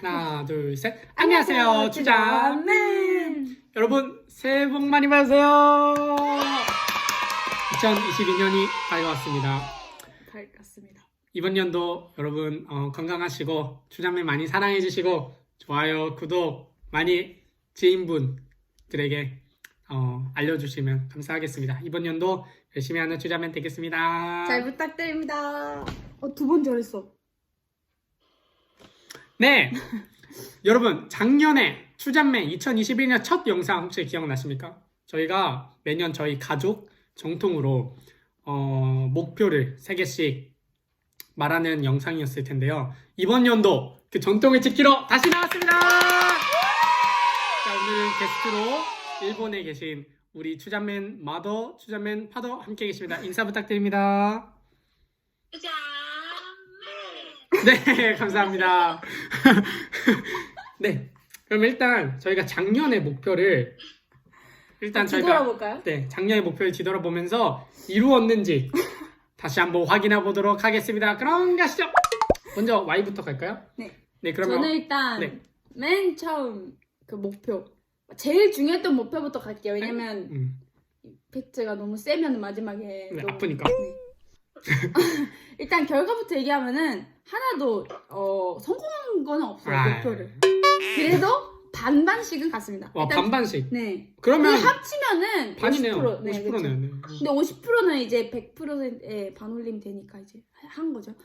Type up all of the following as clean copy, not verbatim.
하나, 둘, 셋. 안녕하세요, 추자맨. 여러분, 새해 복 많이 받으세요. 2022년이 밝아왔습니다. 밝았습니다. 이번 연도 여러분 건강하시고 추자맨 많이 사랑해주시고 좋아요, 구독 많이 지인분들에게 알려주시면 감사하겠습니다. 이번 연도 열심히 하는 추자맨 되겠습니다. 잘 부탁드립니다. 두 번 잘했어. 네, 여러분 작년에 추자맨 2021년 첫 영상 혹시 기억나십니까? 저희가 매년 저희 가족 정통으로 목표를 3개씩 말하는 영상이었을 텐데요. 이번 연도 그 전통을 지키러 다시 나왔습니다. 자, 오늘은 게스트로 일본에 계신 우리 추자맨 마더, 추자맨 파더 함께 계십니다. 인사 부탁드립니다. 네, 감사합니다. 네, 그럼 일단 저희가 작년의 목표를 뒤돌아볼까요? 네, 작년의 목표를 뒤돌아보면서 이루었는지 다시 한번 확인해 보도록 하겠습니다. 그럼 가시죠. 먼저 Y부터 갈까요? 네. 네, 그러면 저는 일단 네. 맨 처음 그 목표, 제일 중요했던 목표부터 갈게요. 왜냐면 팩트가 너무 세면 마지막에 네, 너무, 아프니까. 네. 일단 결과부터 얘기하면은 하나도 성공한 거는 없어요. 목표를. 그래도 반반씩은 갔습니다. 와, 일단, 반반씩. 네. 그러면 합치면은 반이네요. 50%. 네, 50%네요. 그쵸. 네. 근데 50%는 이제 100%의 반올림 되니까 이제 한 거죠.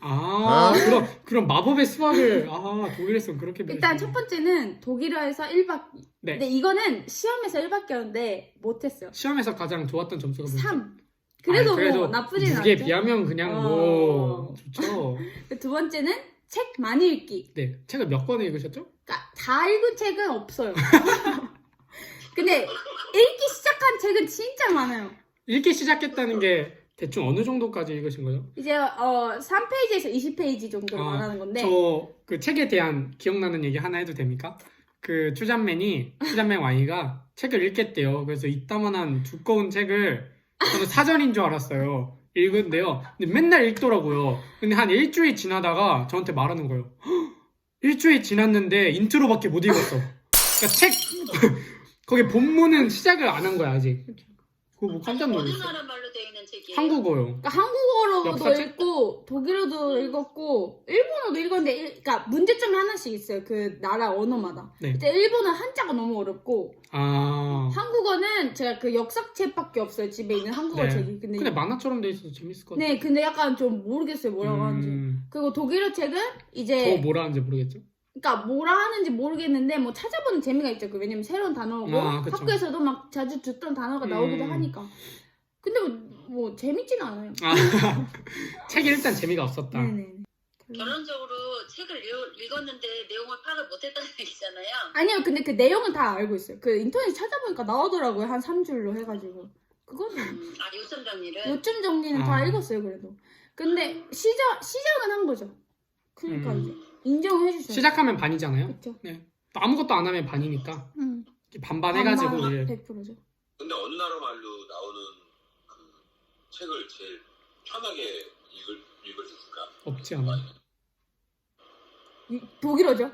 그럼 마법의 수학을 독일에서 그렇게 일단 배우시네요. 첫 번째는 독일어에서 1박. 네. 근데 이거는 시험에서 1박이었는데 못했어요. 시험에서 가장 좋았던 점수가 뭐죠? 3. 그래도 뭐 나쁘진 않죠. 무게에 비하면 그냥 뭐 좋죠. 두 번째는 책 많이 읽기. 네, 책을 몇 권을 읽으셨죠? 그러니까 다 읽은 책은 없어요. 근데 읽기 시작한 책은 진짜 많아요. 읽기 시작했다는 게 대충 어느 정도까지 읽으신 거죠? 이제 3페이지에서 20페이지 정도로 말하는 건데. 저 그 책에 대한 기억나는 얘기 하나 해도 됩니까? 그 추자맨 Y가 책을 읽겠대요. 그래서 이따만한 두꺼운 책을 저는 사전인 줄 알았어요. 읽은데요. 근데 맨날 읽더라고요. 근데 한 일주일 지나다가 저한테 말하는 거예요. 일주일 지났는데 인트로밖에 못 읽었어. 그러니까 책 거기 본문은 시작을 안 한 거야 아직. 그거 뭐 깜짝 놀랐어. 어느 나라 말로 되어 있는 책이에요? 한국어요. 그러니까 한국어로도 역사책? 읽고 독일어도 읽었고 일본어도 읽었는데 그러니까 문제점이 하나씩 있어요. 그 나라 언어마다. 네. 이제 일본은 한자가 너무 어렵고 한국어는 제가 그 역사책밖에 없어요. 집에 있는 한국어 네. 책이. 근데 만화처럼 돼 있어서 재밌을 것 같아요. 네, 근데 약간 좀 모르겠어요. 뭐라고 하는지. 그리고 독일어 책은 이제 더 뭐라 하는지 모르겠죠? 그러니까 뭐라 하는지 모르겠는데 뭐 찾아보는 재미가 있죠. 왜냐면 새로운 단어고 그쵸. 학교에서도 막 자주 듣던 단어가 나오기도 하니까. 근데 뭐 재밌진 않아요. 책이 일단 재미가 없었다. 네네. 결론적으로 책을 읽었는데 내용을 파악을 못했다는 얘기잖아요. 아니요, 근데 그 내용은 다 알고 있어요. 그 인터넷 찾아보니까 나오더라고요. 한 3줄로 해가지고. 그거는 요점 정리를. 요점 정리는 다 읽었어요, 그래도. 근데 시작은 한 거죠. 그러니까 이제 인정해 주셔요. 시작하면 반이잖아요. 그렇죠. 네. 또 아무것도 안 하면 반이니까 반반 해가지고 이제 100%죠. 근데 어느 나라 말로 나오는 그 책을 제일 편하게 읽을 수 있을까? 없지 않아. 독일어죠.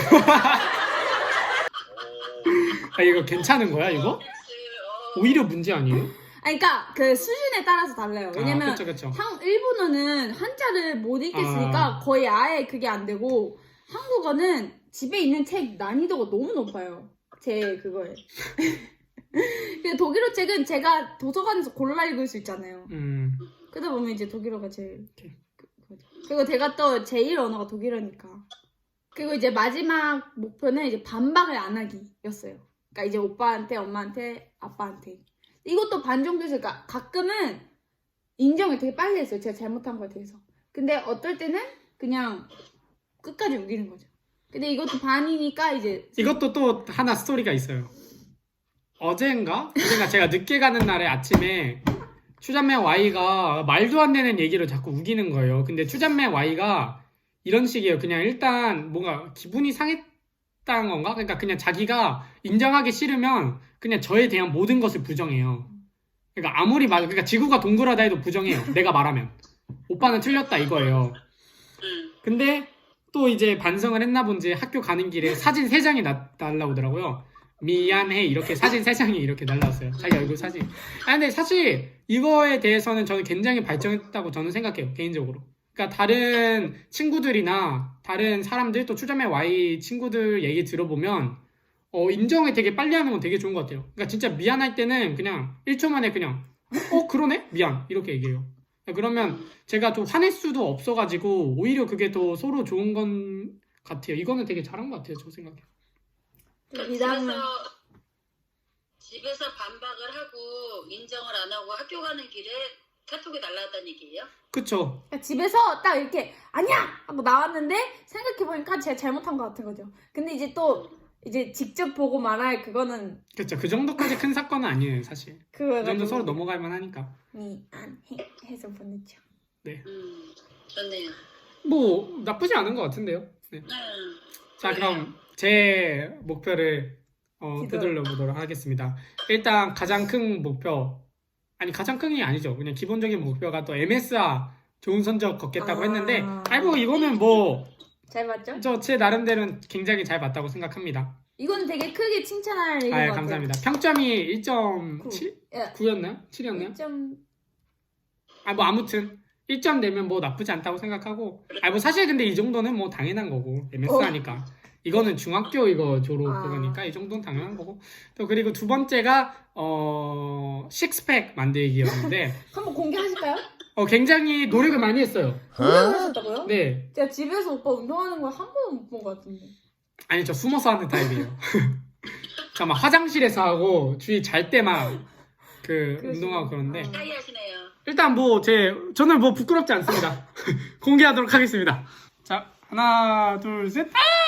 이거 괜찮은 거야 이거? 오히려 문제 아니에요? 아니, 그러니까 그 수준에 따라서 달라요. 왜냐면 그쵸. 일본어는 한자를 못 읽겠으니까 거의 아예 그게 안 되고 한국어는 집에 있는 책 난이도가 너무 높아요. 제 그거에. 근데 독일어 책은 제가 도서관에서 골라 읽을 수 있잖아요. 그러다 보면 이제 독일어가 제일 그거죠. 그리고 제가 또 제1 언어가 독일어니까. 그리고 이제 마지막 목표는 이제 반박을 안 하기였어요. 그러니까 이제 오빠한테, 엄마한테, 아빠한테. 이것도 반 정도 있어요. 그러니까 가끔은 인정을 되게 빨리 했어요. 제가 잘못한 거에 대해서. 근데 어떨 때는 그냥 끝까지 우기는 거죠. 근데 이것도 반이니까 이제 이것도 또 하나 스토리가 있어요. 어젠가 제가 늦게 가는 날에 아침에 추자맨 Y가 말도 안 되는 얘기를 자꾸 우기는 거예요. 근데 추자맨 Y가 이런 식이에요. 그냥 일단 뭔가 기분이 상했다는 건가? 그러니까 그냥 자기가 인정하기 싫으면 그냥 저에 대한 모든 것을 부정해요. 그러니까 아무리 그러니까 지구가 동그라다 해도 부정해요. 내가 말하면. 오빠는 틀렸다 이거예요. 근데 또 이제 반성을 했나 본지 학교 가는 길에 사진 3장이 날라오더라고요. 미안해 이렇게 사진 3장이 이렇게 날라왔어요. 자기 얼굴 사진. 근데 사실 이거에 대해서는 저는 굉장히 발전했다고 저는 생각해요. 개인적으로. 그러니까 다른 친구들이나 다른 사람들 또 추자매 Y 친구들 얘기 들어보면 인정을 되게 빨리 하는 건 되게 좋은 것 같아요. 그러니까 진짜 미안할 때는 그냥 1초 만에 그냥 그러네? 미안 이렇게 얘기해요. 그러면 제가 좀 화낼 수도 없어가지고 오히려 그게 더 서로 좋은 건 같아요. 이거는 되게 잘한 것 같아요. 저 생각에. 미담은 집에서 반박을 하고 인정을 안 하고 학교 가는 길에 카톡이 날라왔다는 얘기예요? 그쵸. 그러니까 집에서 딱 이렇게 아니야 하고 나왔는데 생각해보니까 제가 잘못한 것 같은 거죠. 근데 이제 또 이제 직접 보고 말할 그거는 그쵸. 그 정도까지 큰 사건은 아니에요. 사실. 그거 그 정도 서로 넘어갈 만하니까. 미안해 해서 보냈죠. 좋네요. 뭐 나쁘지 않은 것 같은데요. 네. 자 그럼 제 목표를 되돌려 보도록 하겠습니다. 일단 가장 큰 목표 가장 큰 게 아니죠. 그냥 기본적인 목표가 또 MSR 좋은 성적 걷겠다고 했는데 뭐 이거는 뭐 잘 봤죠? 저 제 나름대로는 굉장히 잘 봤다고 생각합니다. 이건 되게 크게 칭찬할 얘기인 것 같아요. 감사합니다. 평점이 1.9였나요? 7이었나요? 1점 뭐 아무튼 1점 내면 뭐 나쁘지 않다고 생각하고 뭐 사실 근데 이 정도는 뭐 당연한 거고 MS하니까 이거는 중학교 이거 졸업 그거니까 이 정도는 당연한 거고 또 그리고 두 번째가 식스팩 만들기였는데 한번 공개하실까요? 굉장히 노력을 많이 했어요. 공개를 하셨다고요? 네. 제가 집에서 오빠 운동하는 걸 한 번도 못 본 것 같은데. 아니 저 숨어서 하는 타입이에요. 저 막 화장실에서 하고 주위 잘 때만 운동하고 그러는데 사이 하시네요. 일단 저는 뭐 부끄럽지 않습니다. 공개하도록 하겠습니다. 자 하나 둘 셋.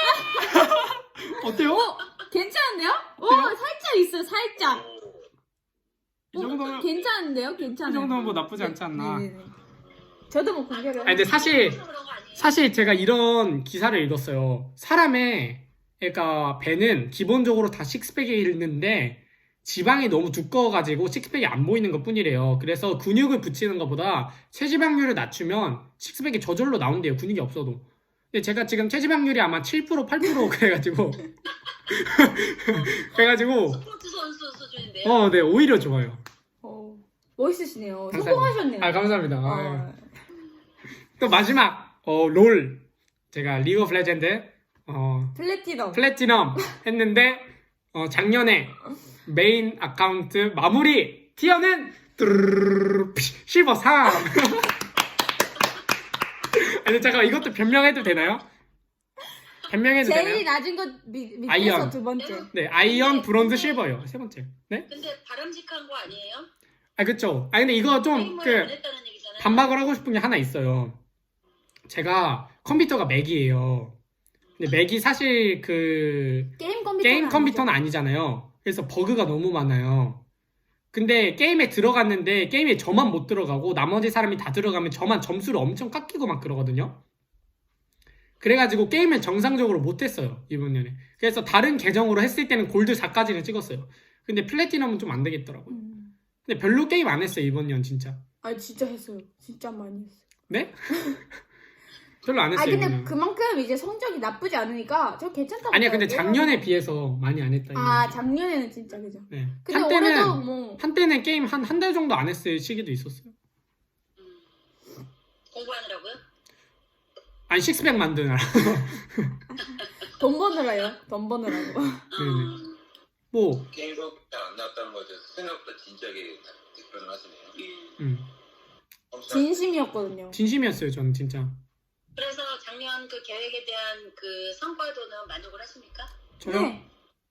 어때요? 괜찮은데요? 살짝 있어요, 살짝. 이 정도면 괜찮은데요? 이 괜찮아요. 정도면 뭐 나쁘지 않지 않나. 네네네. 저도 뭐 공개를. 근데 사실 그런 거 아니에요? 사실 제가 이런 기사를 읽었어요. 사람의 그러니까 배는 기본적으로 다 식스팩이 있는데 지방이 너무 두꺼워가지고 식스팩이 안 보이는 것 뿐이래요. 그래서 근육을 붙이는 것보다 체지방률을 낮추면 식스팩이 저절로 나온대요. 근육이 없어도. 근데 제가 지금 체지방률이 아마 7% 8% 그래가지고 스포츠 선수 수준인데요. 네 오히려 좋아요. 멋있으시네요. 감사합니다. 성공하셨네요. 감사합니다. 또 마지막 롤 제가 리그 오브 레전드 플래티넘 했는데 작년에 메인 아카운트 마무리 티어는 실버 3. 아니 잠깐 이것도 변명해도 되나요? 변명해도 제일 되나요? 낮은 것 밑에서 아이언. 두 번째. 네 아이언 브론즈 실버요 세 번째. 네? 근데 바람직한 거 아니에요? 그쵸. 근데 이거 좀 게임을 안 했다는 얘기잖아요. 반박을 하고 싶은 게 하나 있어요. 제가 컴퓨터가 맥이에요. 근데 맥이 사실 게임 컴퓨터는 아니잖아요. 그래서 버그가 너무 많아요. 근데 게임에 들어갔는데 게임에 저만 못 들어가고 나머지 사람이 다 들어가면 저만 점수를 엄청 깎이고 막 그러거든요. 그래가지고 게임을 정상적으로 못했어요. 이번 년에. 그래서 다른 계정으로 했을 때는 골드 4까지는 찍었어요. 근데 플래티넘은 좀 안 되겠더라고요. 근데 별로 게임 안 했어요. 이번 년 진짜. 진짜 했어요. 진짜 많이 했어요. 네? 별로 안 했어요. 근데 이번 년. 그만큼 이제 성적이 나쁘지 않으니까 저 괜찮다고. 아니야 근데 봐요. 작년에 비해서 많이 안 했다. 이번 작년에는 진짜 그죠. 네. 근데 올해도 뭐 한때는 게임 한 달 정도 안 했을 시기도 있었어요. 공부하느라고요? 아니 식스팩 만드느라. 돈 버느라요. 돈 버느라고. 네네. 뭐 게임 성적이 안 나왔다는 거에 대해서 생각보다 진지하게 답변을 하시네요. 진심이었거든요. 진심이었어요. 저는 진짜. 그래서 작년 그 계획에 대한 그 성과도는 만족을 하십니까? 저요? 네.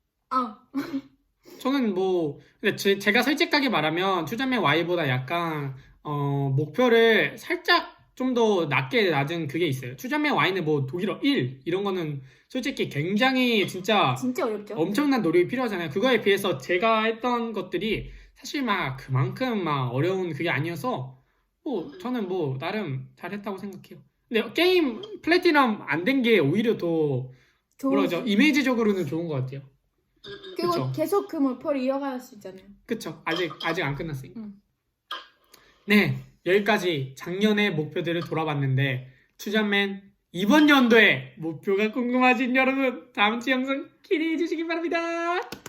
저는 뭐 근데 제가 솔직하게 말하면 추자맨 Y보다 약간 목표를 살짝 좀 더 낮은 그게 있어요. 추자맨 Y는 뭐 독일어 1 이런 거는 솔직히 굉장히 진짜 어렵죠. 엄청난 노력이 필요하잖아요. 그거에 비해서 제가 했던 것들이 사실 막 그만큼 막 어려운 그게 아니어서 뭐 저는 뭐 나름 잘했다고 생각해요. 근데 게임 플래티넘 안 된 게 오히려 더 뭐라죠? 이미지적으로는 좋은 것 같아요. 그리고 그쵸. 계속 그 목표를 이어갈 수 있잖아요. 그쵸. 아직 안 끝났으니까. 네, 여기까지 작년의 목표들을 돌아봤는데 추자맨 이번 연도의 목표가 궁금하신 여러분 다음 주 영상 기대해 주시기 바랍니다.